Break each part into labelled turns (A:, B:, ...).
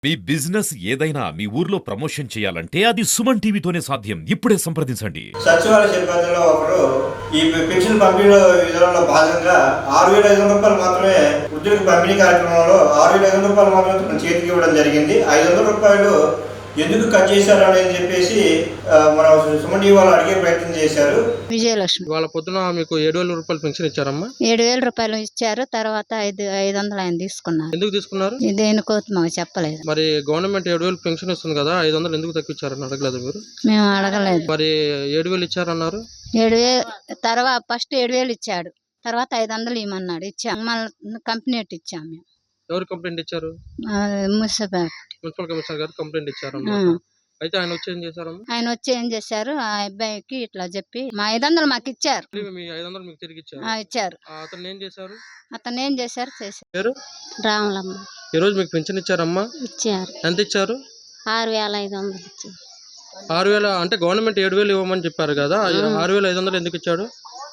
A: మీ business ఏదైనా మీ ఊర్లో promotion చేయాలంటే అది సుమన్ టీవీతోనే సాధ్యం. ఇప్పుడే సంప్రదించండి.
B: సచివాలయ సిబ్బందిలో ఒకరు ఈ పెన్షన్ పంపిణీ విధానంలో భాగంగా 6,500 రూపాయలు మాత్రమే వృద్ధులకు పంపిణీ కార్యక్రమంలో 6,500 రూపాయలు మాత్రమే తన చేతికి ఇవ్వడం జరిగింది. 500 రూపాయలు ఎందుకు కట్ చేశారు అని చెప్పేసి మన సుమన్ టీవీ వాళ్ళు అడిగే ప్రయత్నం చేశారు.
C: విజయలక్ష్మి
D: వాళ్ళ పొద్దున మీకు 7,000 రూపాయలు పెన్షన్ ఇచ్చారమ్మా.
C: 7,000 రూపాయలు ఇచ్చారు. తర్వాత 500 ఆయన తీసుకున్నారు.
D: ఎందుకు తీసుకున్నారు?
C: దేనికో మాకు చెప్పలేదు.
D: మరి గవర్నమెంట్ 7,000 పెన్షన్ ఇస్తుంది కదా, 500 ఎందుకు తగ్గించారని అడగలేదు మీరు?
C: మేము అడగలేదు.
D: మరి 7,000 ఇచ్చారన్నారు.
C: 7,000 తర్వాత ఫస్ట్ 7,000 ఇచ్చాడు. తర్వాత 500 ఇవ్వమన్నాడు. ఇచ్చాం. మళ్ళీ కంప్లైంట్ ఇచ్చాం మేము.
D: ఎవరు కంప్లైంట్ ఇచ్చారు? మున్సిపల్ కమిషనర్ గారు కంప్లైంట్ ఇచ్చారమ్మా. అయితే ఆయన వచ్చి ఏం చేశారమ్మా?
C: ఆయన వచ్చి ఏం చేశారు, ఆ అబ్బాయికి ఇట్లా చెప్పి మా 500 మాకు ఇచ్చారు.
D: మీ 500 మీకు తిరిగి ఇచ్చారు.
C: ఇచ్చారు.
D: అతను ఏం చేశారు?
C: చేశారు. రాములమ్మ.
D: ఈ రోజు మీకు పెన్షన్ ఇచ్చారమ్మా?
C: ఇచ్చారు.
D: ఎంత ఇచ్చారు?
C: 6,500 ఇచ్చారు.
D: 6,000 అంటే గవర్నమెంట్ 7,000 ఇవ్వమని చెప్పారు కదా, 6,500 ఎందుకు ఇచ్చాడు?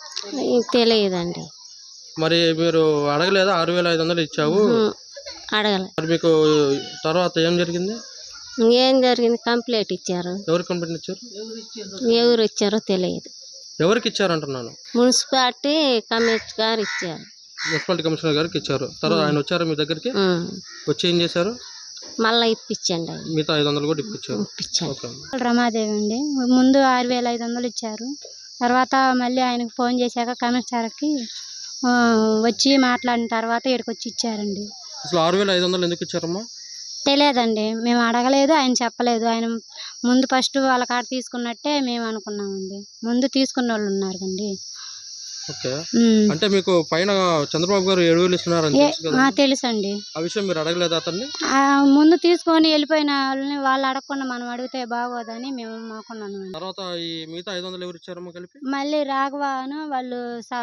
C: తెలియదండి.
D: మరి మీరు అడగలేదా? 6,500 ఇచ్చావు
C: అడగలే.
D: మరి మీకు తర్వాత ఏం జరిగింది?
C: ఏం జరిగింది, కంప్లైంట్ ఇచ్చారు.
D: ఎవరు కంప్లైంట్ ఇచ్చారు?
C: ఎవరు ఇచ్చారో తెలియదు.
D: ఎవరికి ఇచ్చారు అంటున్నాను?
C: మున్సిపాలిటీ కమిషనర్ గారు ఇచ్చారు.
D: మున్సిపాలిటీ కమిషనర్ గారికి ఇచ్చారు. తర్వాత ఆయన వచ్చారు మీ దగ్గరికి? వచ్చి ఏం చేశారు?
C: మళ్ళీ ఇప్పించండి.
D: మిగతా 500 కూడా ఇప్పించారు.
C: రమాదేవి అండి. ముందు 6,500 ఇచ్చారు. తర్వాత మళ్ళీ ఆయనకు ఫోన్ చేశాక కమిషనర్కి వచ్చి మాట్లాడిన తర్వాత ఇక్కడికి వచ్చి ఇచ్చారండి.
D: అసలు 6,500 ఎందుకు ఇచ్చారమ్మా?
C: తెలియదండి, మేము అడగలేదు. ఆయన చెప్పలేదు. ఆయన ముందు ఫస్ట్ వాళ్ళ కాడ తీసుకున్నట్టే మేము అనుకున్నామండి. ముందు తీసుకున్న వాళ్ళు ఉన్నారు కండి.
D: ఓకే. అంటే మీకు పైన చంద్రబాబు గారు 7,000 ఇస్తున్నారని
C: తెలుసండి.
D: ఆ విషయం మీరు అడగలేదు అతన్ని?
C: ముందు తీసుకొని వెళ్ళిపోయిన వాళ్ళని వాళ్ళు అడగకుండా మనం అడిగితే బాగోదని మేము మాకున్నాను.
D: తర్వాత ఈ మిగతా 500 ఎవరు ఇచ్చారమ్మా కలిపి?
C: మళ్ళీ రాఘవాను వాళ్ళు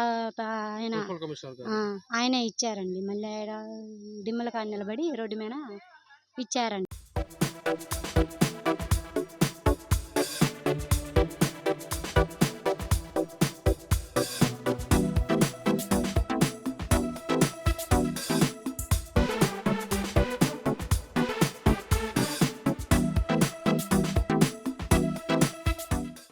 C: ఆయనే ఇచ్చారండి. మళ్ళీ డిమ్మల కాడ నిలబడి రోడ్డు మీద ఇచ్చారండి.